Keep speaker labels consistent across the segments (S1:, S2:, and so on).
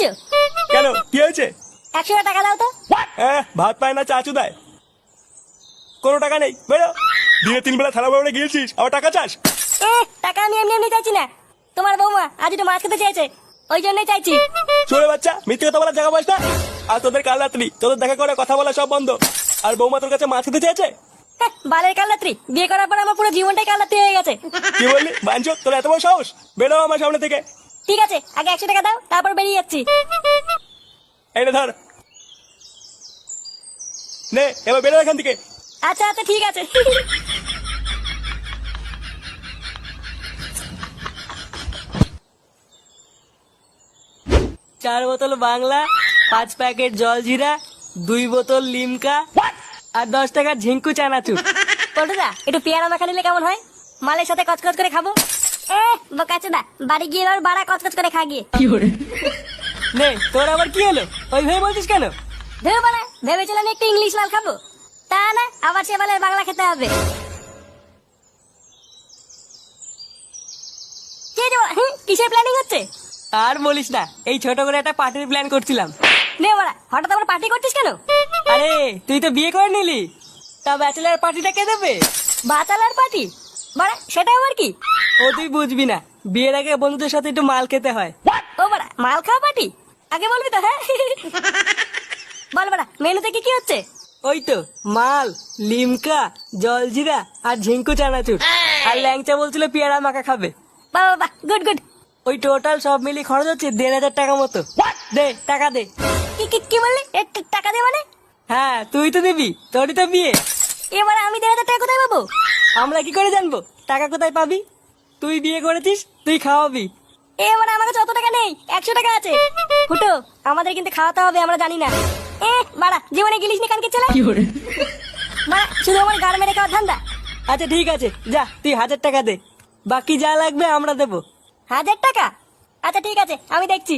S1: করছো?
S2: কেন কি হয়েছে?
S1: 100 টাকা দাও তো।
S2: হ্যাঁ, ভাত পায় না চাচু দেয়? কোনো টাকা নেই, বেরো। দিনে 3 বেলা থালা বাবুরে গিয়েছিস, আবার টাকা চাস?
S1: টাকা আমি এমনি এমনি চাইছি না, তোমার বৌমা আজ একটু মাছ খেতে চেয়েছে, ওই জন্যই চাইছি।
S2: চলে বাচ্চা, মিথ্যে কথা বলার জায়গা পাস না। আর তোদের কাল রাত্রি তোদের দেখা করে কথা বলা সব বন্ধ। আর বৌমা তোর কাছে মাছ খেতে চেয়েছে?
S1: বালের কালরাত্রি, বিয়ে করার পর আমার পুরো জীবনটাই কালরাত্রি হয়ে গেছে।
S2: কি বললি বাঞ্চো? তোর এত বড় সাহস? বেরো আমার সামনে থেকে।
S1: ঠিক আছে, আগে 100 টাকা দাও, তারপর বেরিয়ে যাচ্ছি।
S2: এইটা ধর, নে এবার বেরো এখান থেকে।
S1: আচ্ছা আচ্ছা ঠিক আছে।
S3: 4 বোতল বাংলা, 5 প্যাকেট জলজিরা, 2 বোতল লিমকা আর 10 টাকার ঝিঙ্কু চানাচুর।
S1: পল্টুদা, একটু পেয়ারা মাখা নিলে কেমন হয়? মালের সাথে কচকচ করে খাবো। বোকাচোদা, বাড়ি গিয়ে এবার বাড়া কচকচ করে খা গিয়ে।
S3: নে, তোর আবার কি হলো? ওই ভেবে বলছিস কেন?
S1: ধেউ বাড়া, ভেবেছিলাম একটু ইংলিশ মাল খাবো, তা না, আবার সে বালের বাংলা খেতে হবে। কে যে বাড়া, কিসের প্ল্যানিং হচ্ছে?
S3: আর বলিস না, এই ছোট করে একটা পার্টির প্ল্যান করছিলাম।
S1: নে বাড়া, হঠাৎ আবার পার্টি করছিস কেন?
S3: আরে তুই তো বিয়ে করে নিলি, তা ব্যাচেলার পার্টিটা কে দেবে?
S1: Bachelor party? বাড়া, সেটা আবার কি?
S3: ও তুই বুঝবি না, বিয়ের আগে বন্ধুদের সাথে একটু মাল খেতে হয়।
S1: ও বাড়া, মাল খাওয়া পার্টি? আগে বলবি তো। হ্যাঁ বল বাড়া, মেনুতে কি কি হচ্ছে?
S3: ওই তো মাল, লিমকা, জলজিরা আর ঝিঙ্কু চানাচুর। আর ল্যাংচা বলছিল পেয়ারা মাখা খাবে।
S1: বাহ বাহ, গুড গুড।
S3: ওই টোটাল সব মিলিয়ে খরচ হচ্ছে 1,500 টাকা মতো। দে টাকা দে।
S1: কি কি কি বললি? টাকা দে মানে?
S3: হ্যাঁ তুই তো দিবি, তোরই তো বিয়ে।
S1: এবার আমি 1,500 টাকা কোথায় পাবো?
S3: আমরা কি করে জানবো টাকা কোথায় পাবি? তুই বিয়ে করেছিস, তুই খাওয়াবি।
S1: এবার আমার কাছে অত টাকা নেই, 100 টাকা আছে। ফুটো, আমাদের কিন্তু খাওয়াতে হবে, আমরা জানি না। বাড়া, জীবনে গিলিস নি কানকে ছেলে। বাড়া, শুধু আমার গার মেরে খাওয়ার ধান্দা।
S3: আচ্ছা ঠিক আছে, যা তুই 1,000 টাকা দে, বাকি যা লাগবে আমরা দেবো।
S1: 1000 টাকা? আচ্ছা ঠিক আছে, আমি দেখছি।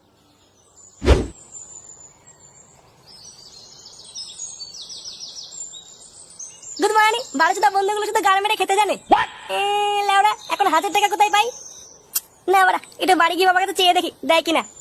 S1: Good morning. বাড়ি শুধু বন্ধুগুলো শুধু গার মেরে খেতে জানে। লেওড়া, এখন 1000 টাকা কোথায় পাই? না বাড়া, এটা বাড়ি গিয়ে বাবার কাছে চেয়ে দেখি, দেয় কিনা।